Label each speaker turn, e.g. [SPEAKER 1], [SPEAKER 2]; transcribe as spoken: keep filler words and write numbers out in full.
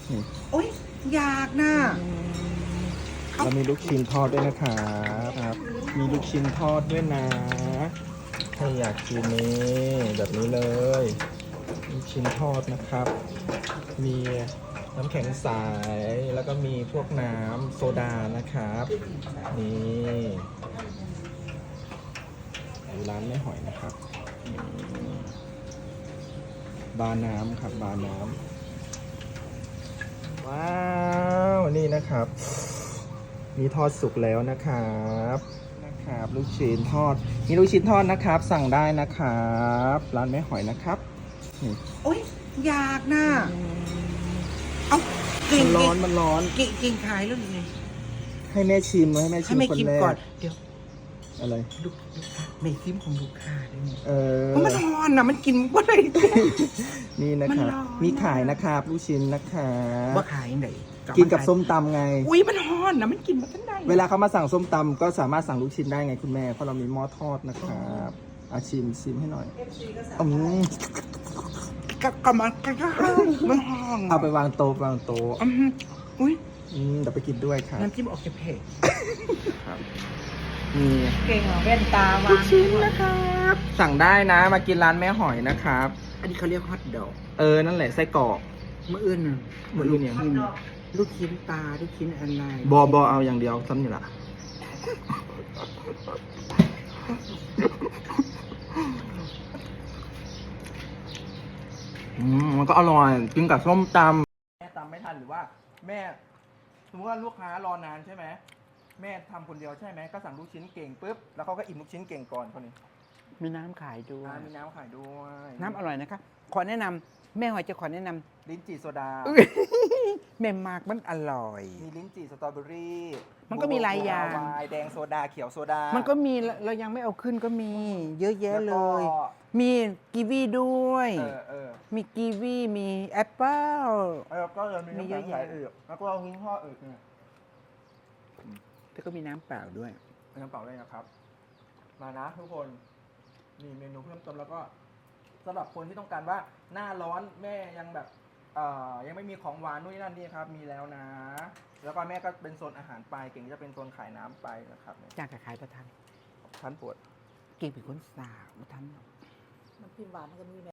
[SPEAKER 1] นี่
[SPEAKER 2] โอ๊ยอยากนะ
[SPEAKER 1] เรามีลูกชิ้นทอดด้วยนะครับครับ มีลูกชิ้นทอดด้วยนะถ้าอยากกินนี่แบบนี้เลยลูกชิ้นทอดนะครับ มีน้ำแข็งใสแล้วก็มีพวกน้ำโซดานะครับนี่อยู่ร้านแม่หอยนะครับบาร์น้ำครับบาร์น้ำว้าวนี่นะครับ มีทอดสุกแล้วนะครับนะครับ ลูกชิ้นทอดมีลูกชิ้นทอดนะครับ สั่งได้นะครับร้านแม่หอยนะครับนี่
[SPEAKER 2] โอ๊ยอยากนะเอาเก่
[SPEAKER 1] มั
[SPEAKER 2] ง
[SPEAKER 1] นร้อนมันร้อน
[SPEAKER 2] เก่งเก่งขายแล้วนี่
[SPEAKER 1] ให้แม่ชิมให้แม่ชิ
[SPEAKER 2] ให้
[SPEAKER 1] ม
[SPEAKER 2] ไม่
[SPEAKER 1] คน
[SPEAKER 2] คิม
[SPEAKER 1] แร
[SPEAKER 2] ก่อน
[SPEAKER 1] ก
[SPEAKER 2] เดี๋ยว
[SPEAKER 1] อะไร
[SPEAKER 2] ลูกลูกค้าไม่คิมของลูกค้าด้วยนี่
[SPEAKER 1] เออ
[SPEAKER 2] มันร้อนนะมันกินบ่ได้
[SPEAKER 1] นี่นะครับ
[SPEAKER 2] มันร้อน
[SPEAKER 1] มีขายนะครับลูกชิ้นนะครับ
[SPEAKER 2] ว่าขายไหน
[SPEAKER 1] กินกับส้มตำไง
[SPEAKER 2] อุ้ยมันร้อนนะมันกินมาทั้งได้
[SPEAKER 1] เวลาเขามาสั่งส้มตำก็สามารถสั่งลูกชิ้นได้ไงคุณแม่เพราะเรามีหม้อทอดนะครับอาชิมชิมให้หน่อยอืม
[SPEAKER 2] กับกับมันกับมันร้อน
[SPEAKER 1] เอาไปวางโต๊ะวางโต๊ะ
[SPEAKER 2] อืมอุ้ย
[SPEAKER 1] อืมเดี๋ยวไปกินด้วยครับ
[SPEAKER 2] น้ำจิ้มออกจะเผ็ด
[SPEAKER 1] นี่
[SPEAKER 2] เก่งเหรอแว่นตาวา
[SPEAKER 1] ลู
[SPEAKER 2] ง
[SPEAKER 1] กชิ้นนะครับ สั่งได้นะมากินร้านแม่หอยนะครับ
[SPEAKER 2] อันนี้เขาเรียกฮอทดอก
[SPEAKER 1] เออนั่นแหละไส้กรอก
[SPEAKER 2] เมื่ออื่นน่ะ
[SPEAKER 1] มื้ออื่นยัง
[SPEAKER 2] ลูกชิ้ลูกชิ้นปลาลูกชิ้นอะไร
[SPEAKER 1] บอบอเอาอย่างเดียวซ้ำนี่ละอืมมันก็อร่อยกินกับส้มตำแม่ตำไม่ทันหรือว่าแม่สมมติว่าลูกค้ารอนานใช่ไหมแม่ทำคนเดียวใช่ไหมก็สั่งลูกชิ้นเก่งปุ๊บแล้วเขาก็อิ่มลูกชิ้นเก่งก่อนคนนี้
[SPEAKER 2] มีน้ำขายด้วย
[SPEAKER 1] อ่ามีน้ำขายด้วย
[SPEAKER 2] น้ำอร่อยนะคะขอแนะนำแม่หอยจะขอแนะน
[SPEAKER 1] ลิ้นจี่โซดา
[SPEAKER 2] ำ แม่มากมันอร่อย
[SPEAKER 1] มีลิ้นจี่สตรอเบอรี่
[SPEAKER 2] มันก็มีหลายอย่าง
[SPEAKER 1] บัววายแดงโซดาเขียวโซดา
[SPEAKER 2] มันก็มีเรายังไม่เอาขึ้นก็มี เยอะแยะเลย
[SPEAKER 1] แล้วก็
[SPEAKER 2] มีกีวีด้วย
[SPEAKER 1] เออเออ
[SPEAKER 2] มีกีวีมีแอปเปิ้ล
[SPEAKER 1] แล้วก็จะมี
[SPEAKER 2] มี
[SPEAKER 1] น้ำ
[SPEAKER 2] เย
[SPEAKER 1] แข็
[SPEAKER 2] อะ
[SPEAKER 1] งใส
[SPEAKER 2] แยะ
[SPEAKER 1] อีกแล้วก็เอาหิ้งห่ออีกเนี่ย
[SPEAKER 2] แล้วก็มีน้ำเปล่าด้วย
[SPEAKER 1] เป็นน้ำเปล่าเลยนะครับ มานะทุกคนนี่เมนูเพิ่มเติมแล้วก็สำหรับคนที่ต้องการว่าหน้าร้อนแม่ยังแบบเอ่อยังไม่มีของหวานนู่นนนั่นนี่ครับมีแล้วนะ แล้วก็แม่ก็เป็นโซนอาหารไปเก่งจะเป็นโซนขายน้ำไปนะครับ
[SPEAKER 2] จากขายประทัน
[SPEAKER 1] ท่านปวด
[SPEAKER 2] เก่งเป็นคนสาวประทัน
[SPEAKER 3] น้ำจิ้มหวานมันก็มี